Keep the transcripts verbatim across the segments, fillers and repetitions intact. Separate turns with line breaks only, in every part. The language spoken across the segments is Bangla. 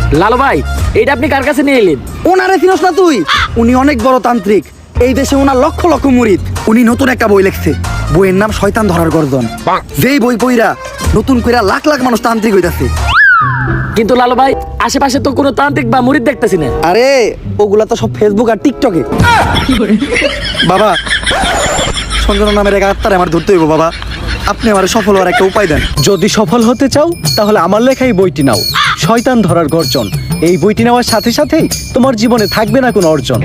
লালু ভাই, এইটা আপনি কার কাছে নিয়ে এলেন?
ওনারে চিনস না তুই? উনি অনেক বড় তান্ত্রিক, এই দেশে ওনার লক্ষ লক্ষ মুরিদ। উনি নতুন একটা বই লিখছে, বইয়ের নাম শয়তান ধরার গর্জন। যেই বই পইরা নতুন কইরা লাখ লাখ মানুষ তান্ত্রিক হইতাছে।
কিন্তু লালু ভাই, আশেপাশে তো কোনো তান্ত্রিক বা মুরিদ দেখতেছি না।
আরে ওগুলা তো সব ফেসবুক আর টিকটকে। বাবা, সঞ্জনা নামের এক আত্মারে আমার ধরতে হইব বাবা। আপনি আমার সফল হওয়ার একটা উপায় দেন।
যদি সফল হতে চাও তাহলে আমার লেখা এই বইটি নাও, শয়তান ধরার গর্জন। এই বইটি নেওয়ার সাথে সাথেই তোমার জীবনে থাকবে না কোনো অর্জন।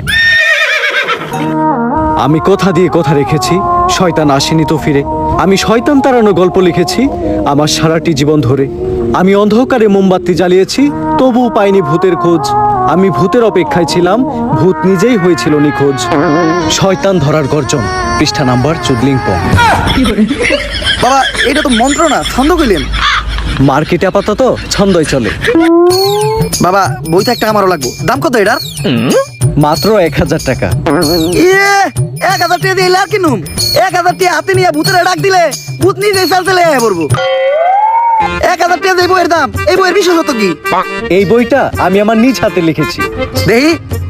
আমি কথা দিয়ে কথা রেখেছি, শয়তান আসেনি তো ফিরে। আমি শয়তান তাড়ানো গল্প লিখেছি আমার সারাটি জীবন ধরে। আমি অন্ধকারে মোমবাতি জ্বালিয়েছি, তবুও পাইনি ভূতের খোঁজ। আমি ভূতের অপেক্ষায় ছিলাম, ভূত নিজেই হয়েছিল নিখোঁজ। শয়তান ধরার গর্জন, পৃষ্ঠা নাম্বার চুদলিং পং।
বাবা, এটা তো মন্ত্র না, ছন্দ কইলেন।
মার্কেটে আপাতত ছন্দই চলে।
বাবা, বইটা একটা আমারও লাগবো। দাম কত এটার?
মাত্র এক হাজার টাকা।
ইয়ে, এক হাজার টাকা দিয়ে আর কিনুম? এক হাজার টাকা হাতে নিয়ে ভূতের ডাক দিলে ভূত নিজে চালতে লেগে পড়বো। এক হাজার টাকা দিয়ে বইয়ের দাম, এই বইয়ের বিশেষত কি?
এই বইটা আমি আমার নিজ হাতে লিখেছি।
দেখি,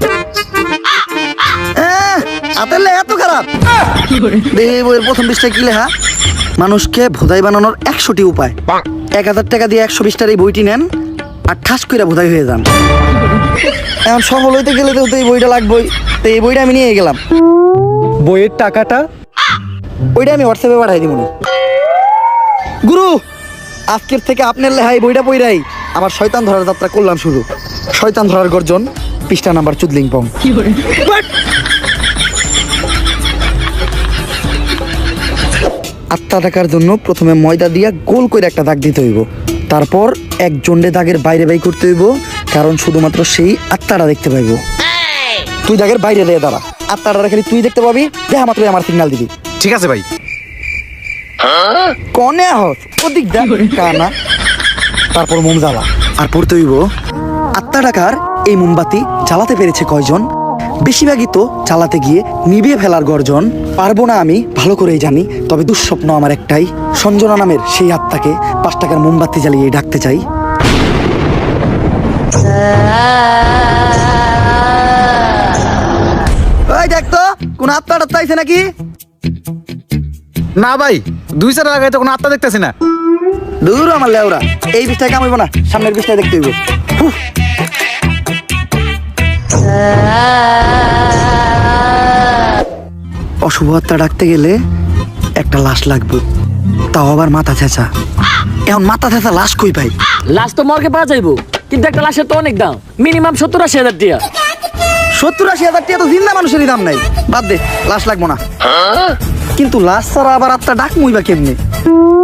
আহ, হাতের লেখা এত খারাপ? দেখি বইয়ের প্রথম পৃষ্ঠায় কি লেখা? মানুষকে ভোদাই বানানোর একশোটি উপায়। এক হাজার টাকা দিয়ে একশো বিশটার এই বইটি নেন আর ঠাস করে ভোদাই হয়ে যান। এখন সফল হইতে গেলে তো এই বইটা লাগবেই, তো এই বইটা আমি নিয়ে গেলাম।
বইয়ের টাকাটা?
ওইটা আমি হোয়াটসঅ্যাপে পাঠাই দিব। গুরু, আজকের থেকে আপনার লেহাই বইটা পইরাই আমার শয়তান ধরার যাত্রা করলাম শুরু। শয়তান ধরার গর্জন, পৃষ্ঠা নাম্বার চুদলিং পং। আটটা টাকার জন্য প্রথমে ময়দা দিয়া গোল করে একটা দাগ দিতে হইব, তারপর এক জন্ডে দাগের বাইরে বাই করতে হইব, কারণ শুধুমাত্র সেই আত্মাটা দেখতে পাইব। তুই দাগের বাইরে দিয়ে দাঁড়া, আত্মাটা খালি তুই দেখতে পাবি, দেখা মাত্রই আমার সিগন্যাল দিবি।
ঠিক আছে ভাই।
কনে হস ওদিক দেখ কানা। তারপর মোম জ্বালা আর পড়তে হইব, আত্মা টাকার এই মোমবাতি জ্বালাতে পেরেছে কয়জন? বেশিরভাগই তো জ্বালাতে গিয়ে নিভিয়ে ফেলার গর্জন। পারবো না আমি ভালো করেই জানি, তবে দুঃস্বপ্ন আমার একটাই, সঞ্জনা নামের সেই আত্মাকে পাঁচ টাকার মোমবাতি জ্বালিয়ে ডাকতে চাই। ওই দেখ তো, কোন আত্মা টাত্মা আইছে নাকি?
না ভাই, দুই চার লাগাই তো কোনো আত্মা দেখতেছি না।
দূর আমার লেওরা, এই বিষটায় কামাইবো না, সামনের বিষটায় দেখতে হইব। হুহ। অশুভ আত্মা ডাকতে গেলে একটা লাশ লাগবে, তাও আবার মাথা ছেঁচা। এখন মাথা ছেঁচা লাশ কই পাই?
লাশ তো মর্গে পাওয়া যাইবো, কিন্তু একটা লাশের তো অনেক দাম, মিনিমাম সত্তর আশি হাজার টাকা।
সত্তর আশি হাজার টাকা তো জিন্দা মানুষেরই দাম নাই, বাদ দে, লাশ লাগবো না। কিন্তু লাশ ছাড়া আবার আত্মা ডাক মুইবা কেমনে?